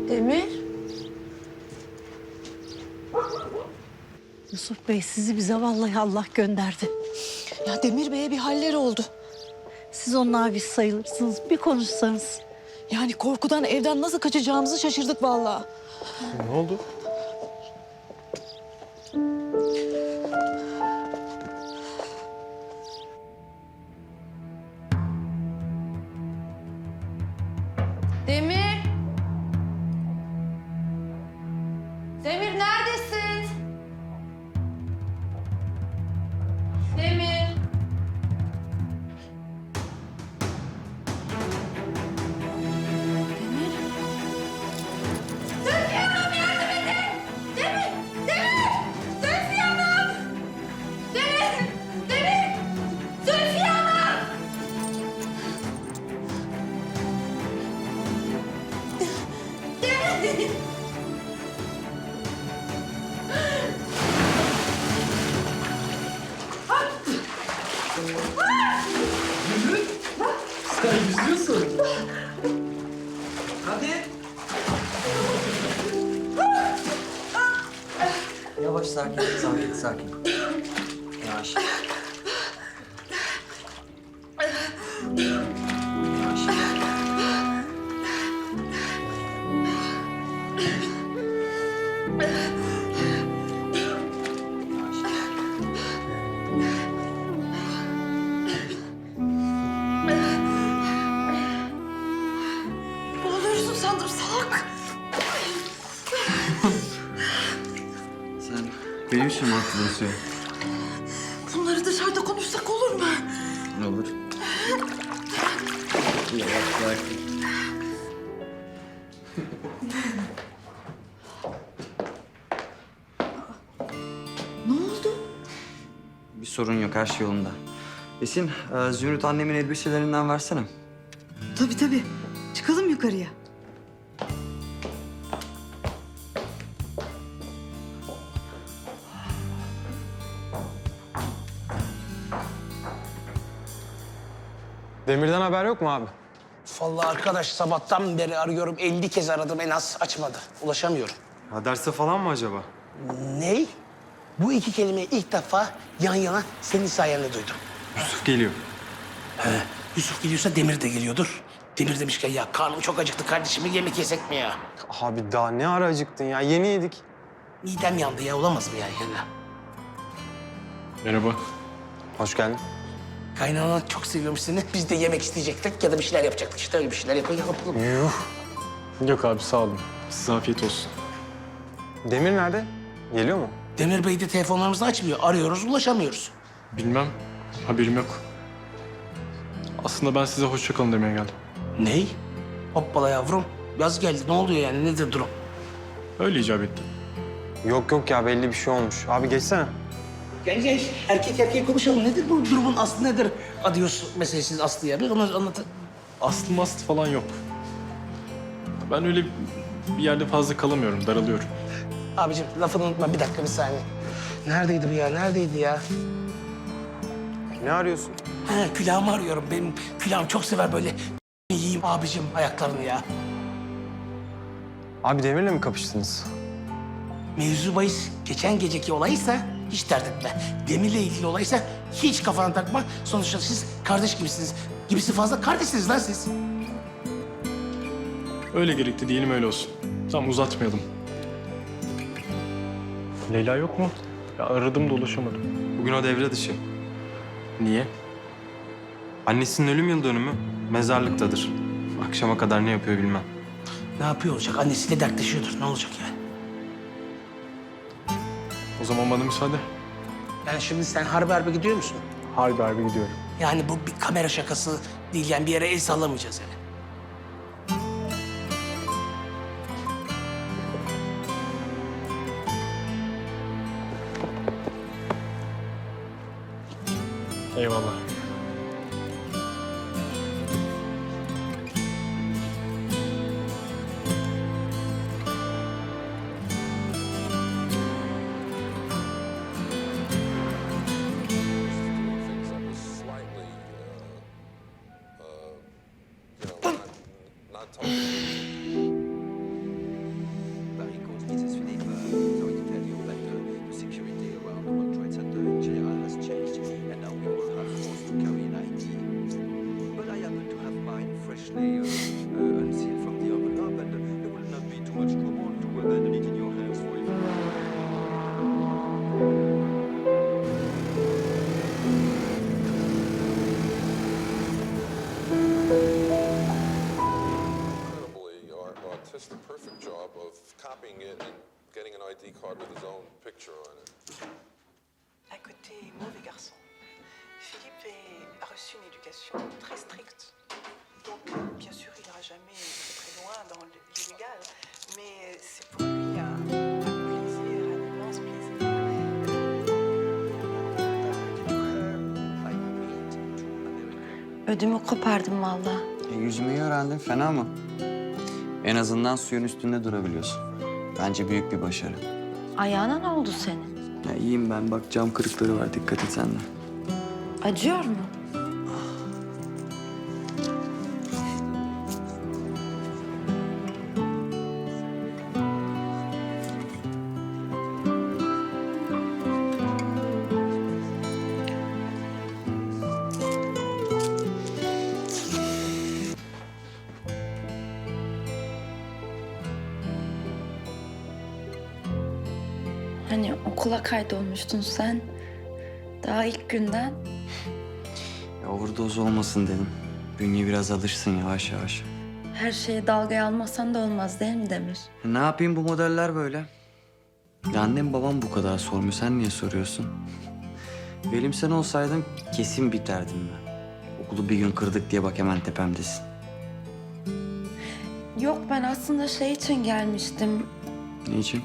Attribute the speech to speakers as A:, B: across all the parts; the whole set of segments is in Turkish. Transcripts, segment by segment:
A: Demir.
B: Yusuf Bey sizi bize vallahi Allah gönderdi.
C: Ya Demir Bey'e bir haller oldu.
B: Siz onun abisi sayılırsınız. Bir konuşsanız.
C: Yani korkudan evden nasıl kaçacağımızı şaşırdık vallahi.
D: Ne oldu?
A: Demir. Demir neredesin? Demir. Zülfiye Hanım yardım edin! Demir! Demir! Zülfiye Hanım! Demir! Demir! Zülfiye Hanım! Demir!
E: Sen yüzüyorsun. Hadi.
F: Yavaş, sakin. Yavaş. Yavaş.
C: Ne oluyorsun sandım salak.
F: Sen benim için mi hatırlıyorsun?
C: Bunları dışarıda konuşsak olur mu?
F: Ne olur? Yavaş, sakin.
C: Ne oldu?
F: Bir sorun yok, her şey yolunda. Esin, Zümrüt annemin elbiselerinden versene.
C: Tabii. Çıkalım yukarıya.
D: Demir'den haber yok mu abi?
E: Vallahi arkadaş sabahtan beri arıyorum. 50 kez aradım en az açmadı. Ulaşamıyorum.
D: Ha, derste falan mı acaba?
E: Ney? Bu iki kelimeyi ilk defa yan yana senin sayende duydum.
D: Yusuf geliyor.
E: Yusuf geliyorsa Demir de geliyordur. Demir demişken ya karnım çok acıktı kardeşim, bir yemek yesek mi ya?
D: Abi daha ne ara acıktın ya? Yeni yedik.
E: Midem yandı ya, olamaz mı yani?
D: Merhaba. Hoş geldin.
E: Kaynanan çok seviyormuş seni. Biz de yemek isteyecektik ya da bir şeyler yapacaktık. İşte öyle bir şeyler yapalım.
D: Yuh. Yok abi, sağ olun. Size afiyet olsun. Demir nerede? Geliyor mu?
E: Demir Bey de telefonlarımızı açmıyor. Arıyoruz, ulaşamıyoruz.
G: Bilmem. Haberim yok. Aslında ben size hoşça kalın demeye geldim.
E: Ney? Hoppala yavrum. Yaz geldi. Ne oluyor yani? Nedir durum?
G: Öyle icap etti.
D: Yok ya, belli bir şey olmuş. Abi geçsene.
E: Gel. Erkek erkeğe konuşalım. Nedir bu durumun aslı nedir? Adios meselesiz Aslı ya. Bir onu anlat.
G: Aslı mastı falan yok. Ben öyle bir yerde fazla kalamıyorum, daralıyorum.
E: Abicim lafını unutma. Bir dakika, bir saniye. Neredeydi bu ya? Neredeydi ya?
D: Ne arıyorsun?
E: Ha, külahımı arıyorum. Benim külahım çok sever böyle yiyeyim abicim ayaklarını ya.
D: Abi Demir'le mi kapıştınız?
E: Mevzu bahis geçen geceki olaysa hiç dert etme. Demir'le ilgili olaysa hiç kafana takma. Sonuçta siz kardeş gibisiniz. Gibisi fazla kardeşsiniz lan siz.
G: Öyle gerekti diyelim, öyle olsun. Tamam, uzatmayalım. Leyla yok mu? Ya aradım da ulaşamadım.
D: Bugün o devre dışı.
G: Niye?
D: Annesinin ölüm yıl dönümü mezarlıktadır. Akşama kadar ne yapıyor bilmem.
E: Ne yapıyor olacak? Annesiyle dertleşiyordur. Ne olacak yani?
G: O zaman bana müsaade.
E: Yani şimdi sen harbe gidiyor musun?
G: Harbi gidiyorum.
E: Yani bu bir kamera şakası değil. Yani bir yere el sallamayacağız yani.
G: Eyvallah.
H: just the perfect job of copying it and getting an ID card with his own picture on it.
I: À côté, mauvais garçon. Philippe a reçu une éducation très stricte. Donc, bien sûr, il n'ira jamais très loin dans l'illégal, mais c'est pour lui un plaisir, un immense plaisir.
A: Ödümü kopardım vallahi.
F: Yüzmeyi öğrendin, fena mı? En azından suyun üstünde durabiliyorsun. Bence büyük bir başarı.
A: Ayağına ne oldu senin?
F: Ya iyiyim ben, bak cam kırıkları var, dikkat et sen de.
A: Acıyor mu? Hani okula kaydolmuştun sen. Daha ilk günden.
F: Ya overdose olmasın dedim. Bünye biraz alışsın yavaş yavaş.
A: Her şeye dalgaya almasan da olmaz değil mi Demir?
F: Ne yapayım, bu modeller böyle. Ya annem babam bu kadar sormuyor, sen niye soruyorsun? Benim sen olsaydım kesin biterdim ben. Okulu bir gün kırdık diye bak hemen tepemdesin.
A: Yok, ben aslında şey için gelmiştim.
F: Ne için?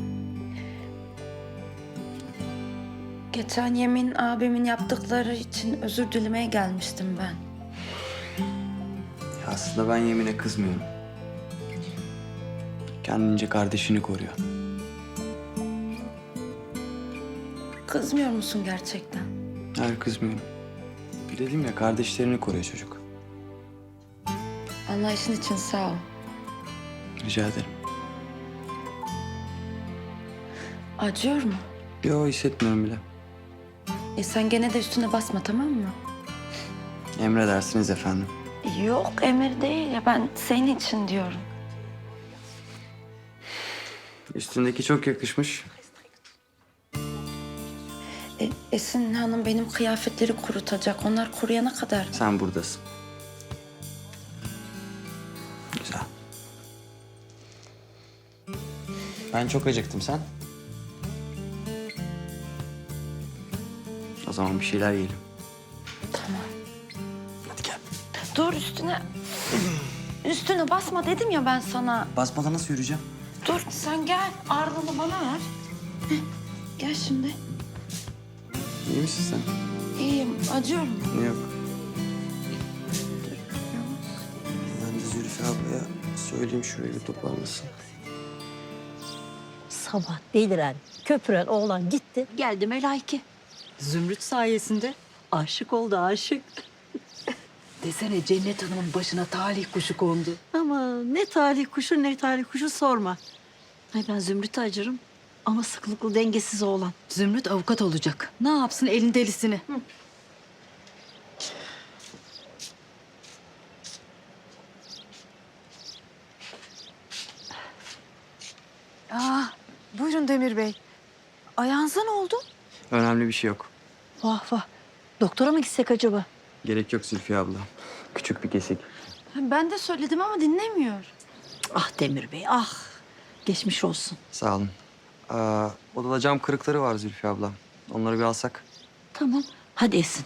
A: Geçen Yemin abimin yaptıkları için özür dilemeye gelmiştim ben.
F: Ya aslında ben Yemin'e kızmıyorum. Kendince kardeşini koruyor.
A: Kızmıyor musun gerçekten?
F: Hayır, kızmıyorum. Dedim ya, kardeşlerini koruyor çocuk.
A: Anlayışın için sağ ol.
F: Rica ederim.
A: Acıyor mu?
F: Yo, hissetmiyorum bile.
A: Sen gene de üstüne basma, tamam mı?
F: Emredersiniz efendim.
A: Yok, emir değil ya, ben senin için diyorum.
F: Üstündeki çok yakışmış.
A: Esin Hanım benim kıyafetleri kurutacak. Onlar kuruyana kadar.
F: Sen buradasın. Güzel. Ben çok acıktım, sen? O zaman bir şeyler yiyelim.
A: Tamam.
F: Hadi gel.
A: Dur üstüne. Üstüne basma dedim ya ben sana.
F: Basmadan nasıl yürüyeceğim?
A: Dur sen gel. Ağırlığını bana ver. Heh, gel şimdi.
F: İyi misin sen?
A: İyiyim. Acıyor mu?
F: Yok. Ben de Zülfü ablaya söyleyeyim şurayı bir toparlasın.
B: Sabah deliren, köpüren oğlan gitti. Geldi Melaike. Zümrüt sayesinde aşık oldu, aşık.
C: Desene Cennet Hanım'ın başına talih kuşu kondu.
B: Ama ne talih kuşu ne talih kuşu sorma. Ay ben Zümrüt'e acırım ama sıklıklı dengesiz oğlan.
C: Zümrüt avukat olacak. Ne yapsın elin delisini? Buyurun Demir Bey. Ayağınıza ne oldu?
F: Önemli bir şey yok.
B: Vah vah. Doktora mı gitsek acaba?
F: Gerek yok Zülfü abla. Küçük bir kesik.
A: Ben de söyledim ama dinlemiyor.
B: Ah Demir Bey ah. Geçmiş olsun.
F: Sağ olun. Odada cam kırıkları var Zülfü abla. Onları bir alsak.
B: Tamam. Hadi Esin.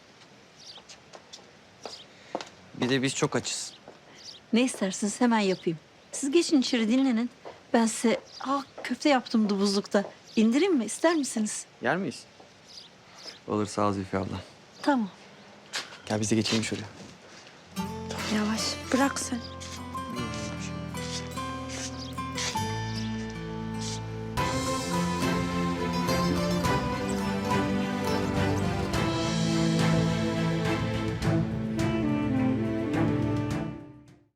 F: Bir de biz çok açız.
B: Ne isterseniz hemen yapayım. Siz geçin içeri dinlenin. Ben size köfte yaptım buzlukta. İndireyim mi? İster misiniz?
F: Yer miyiz? Olur, sağ ol Zülfü abla.
B: Tamam.
F: Gel biz de geçelim şuraya.
A: Yavaş bırak sen.